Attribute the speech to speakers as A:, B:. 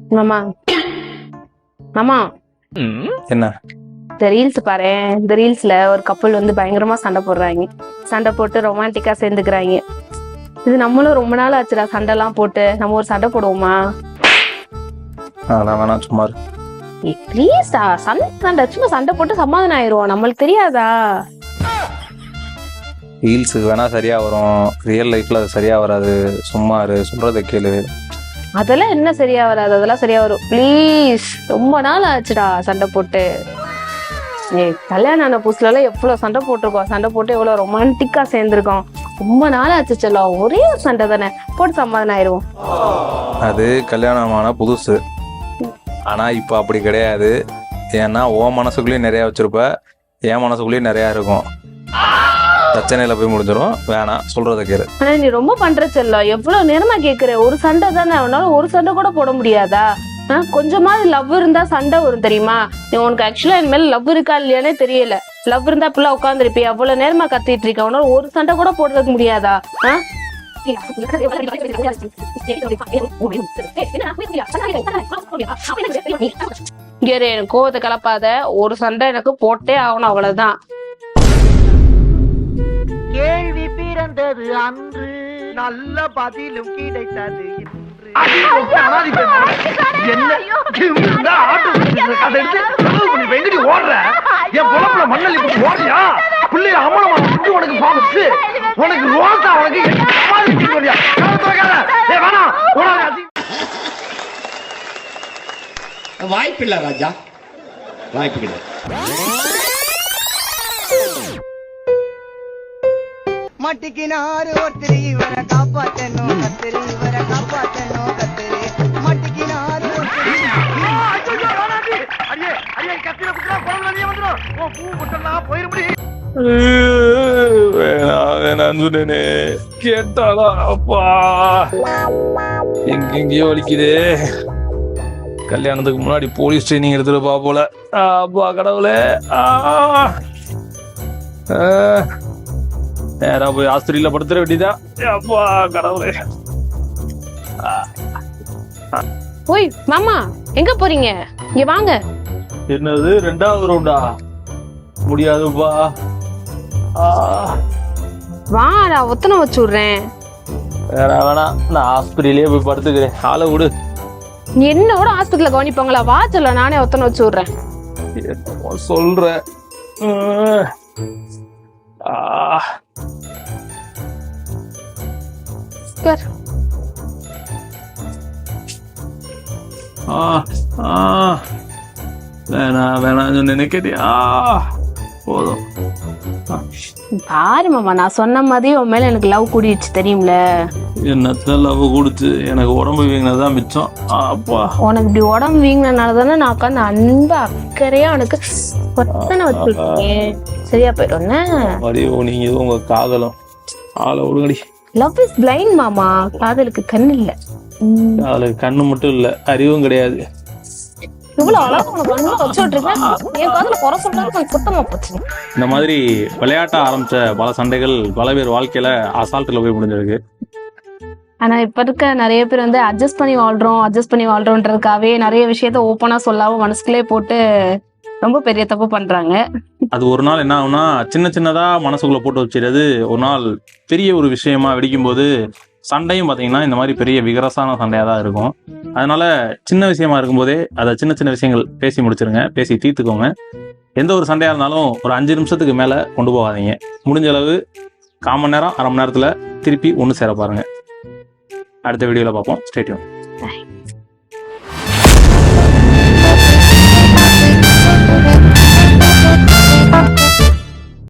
A: மாமா மாமா
B: என்ன
A: இந்த ரீல்ஸ் பாரு. இந்த ரீல்ஸ்ல ஒரு கப்பல் வந்து பயங்கரமா சண்டை போடுறாங்க. சண்டை போட்டு ரொமான்டிக்கா சேர்ந்துக்கிறாங்க. இது நம்மளும் ரொம்ப நாள் ஆச்சுடா சண்டை எல்லாம் போட்டு. நம்ம ஒரு சண்டை போடுவோமா?
B: அதெல்லாம் வேணாம், சும்மா
A: ப்ளீஸ்டா. சண்டை சும்மா சண்டை போட்டு சமாதானம் ஆயிரும். நம்மளுக்கு தெரியாதா?
B: ரீல்ஸுக்கு வேணா சரியா வரும், ரியல் லைஃப்ல அது சரியா வராது. சும்மா சொல்றதை கேளு.
A: அதெல்லாம் என்ன சரியா வராது? அதெல்லாம் சரியா வரும். ப்ளீஸ், ரொம்ப நாள் ஆச்சுடா சண்டை போட்டு. கல்யாணம் ஆன புதுசுல எல்லாம் எவ்வளவு சண்டை போட்டிருக்கோம். சண்டை போட்டு எவ்வளவு ரொமான்டிக்கா சேர்ந்திருக்கோம். ரொம்ப நாள் ஆச்சு செல்லம். ஒரே ஒரு சண்டை தானே, போட்டு சமாதானம் ஆயிரும்.
B: அது கல்யாணமான புதுசு. ஆனா இப்ப அப்படி கிடையாது. ஏன்னா உன் மனசுக்குள்ளேயும் நிறைய வச்சிருப்ப, என் மனசுக்குள்ளேயும் நிறைய இருக்கும். பிரச்சனையில போய் முடிஞ்சிடும். வேணாம், சொல்றத கேளு.
A: ஆனா நீ ரொம்ப பண்ற செல்லம். எவ்வளவு நேரமா கேக்குற? ஒரு சண்டை தானே, அவனால ஒரு சண்டை கூட போட முடியாதா? கொஞ்சமாவது லவ் இருந்தா சண்டை வரும் தெரியுமா? நீ உனக்கு ஆக்சுவலா என் மேல லவ் இருக்கா இல்லையானே தெரியல. லவ் இருந்தா இப்பெல்லாம் உட்காந்துருப்பி. அவ்வளவு நேரமா கத்திட்டு இருக்க. அவனால ஒரு சண்டை கூட போடுறதுக்கு முடியாதா? கோவத்தை கலப்பாத. ஒரு சண்டை எனக்கு போட்டே ஆகணும், அவ்வளவுதான்.
C: கேள்வி பிறந்தது அன்று, நல்ல பதிலும் கிடைத்தது இன்று.
D: வாய்ப்பில்லை ராஜா, வாய்ப்பு கிடையாது.
C: மட்டிக்கினாரு ஒருத்தர் இவரை காப்பாத்தணும், கத்திரி இவரை காப்பாத்தணும், கத்திரி மட்டிக்கினாரு
B: வேணான்னு சொன்னேனே, கேட்டாளா? அப்பா எங்கெங்கயோ வலிக்குதே. கல்யாணத்துக்கு முன்னாடி போலீஸ் ட்ரைனிங் எடுத்துருப்பா போல. அப்பா கடவுளே. நேரா போய் ஆஸ்பத்திரியில படுத்துற வேண்டியதா? அப்பா கடவுளே.
A: ஓய் மாமா, எங்க போறீங்க? இங்க வாங்க.
B: என்னது ரெண்டாவது ரவுண்டா? முடியாதுப்பா.
A: வா, நான் ஒத்தனை வச்சு விடுறேன்.
B: வேணாம், நான் ஆஸ்பத்திரியிலேயே போய் படுத்துக்கிறேன். ஆளை விடு.
A: என்னோட ஆஸ்பத்திரியில கவனிப்பாங்களா? வா சொல்ல, நானே ஒத்தனை வச்சு விடுறேன்.
B: சொல்றேன். வேணாம் நினைக்கிறியா? போதும்.
A: பாரு மாமா, நான் சொன்ன மாதிரி உன் மேல எனக்கு லவ் கூடிடுச்சு தெரியும்ல.
B: என்னத்த லவ் கொடுத்து எனக்கு உடம்பு வீங்கினதான் மிச்சம். அப்பா,
A: உனக்கு இப்படி உடம்பு வீங்கினால தானே நான் உட்காந்து அன்பு அக்கறையா உனக்கு ஒத்தனை வச்சிருக்கேன். சரியா போயிடும்.
B: நீங்க உங்க காதலும் ஆளை விடுங்கடி.
A: லவ் இஸ் பிளைண்ட் மாமா. காதலுக்கு கண்ணு இல்ல.
B: காதலுக்கு கண்ணு மட்டும் இல்ல, அறிவும் கிடையாது. இந்த மாதிரி விளையாட்ட ஆரம்பிச்ச பல சண்டைகள் பல பேர் வாழ்க்கையில அசால்ட்ல போய் முடிஞ்சிருக்கு.
A: ஆனா இப்ப இருக்க நிறைய பேர் வந்து அட்ஜஸ்ட் பண்ணி வாழ்றோன்றதுக்காகவே நிறைய விஷயத்த ஓப்பனா சொல்லாம மனசுக்குள்ளே போட்டு ரொம்ப பெரிய தப்பு பண்றாங்க.
B: அது ஒரு நாள் என்ன ஆகும்னா, சின்ன சின்னதா மனசுக்குள்ள போட்டு வச்சிருது. ஒரு நாள் பெரிய ஒரு விஷயமா வெடிக்கும் போது சண்டையும் பாத்தீங்கன்னா இந்த மாதிரி பெரிய விகரசான சண்டையா தான் இருக்கும். அதனால சின்ன விஷயமா இருக்கும்போதே அதை சின்ன சின்ன விஷயங்கள் பேசி முடிச்சிருங்க, பேசி தீர்த்துக்கோங்க. எந்த ஒரு சண்டையா இருந்தாலும் ஒரு 5 நிமிஷத்துக்கு மேல கொண்டு போகாதீங்க. முடிஞ்ச அளவு 1/4 மணி நேரம், அரை மணி நேரத்துல திருப்பி ஒன்று சேர பாருங்க. அடுத்த வீடியோல பார்ப்போம். Stay tune.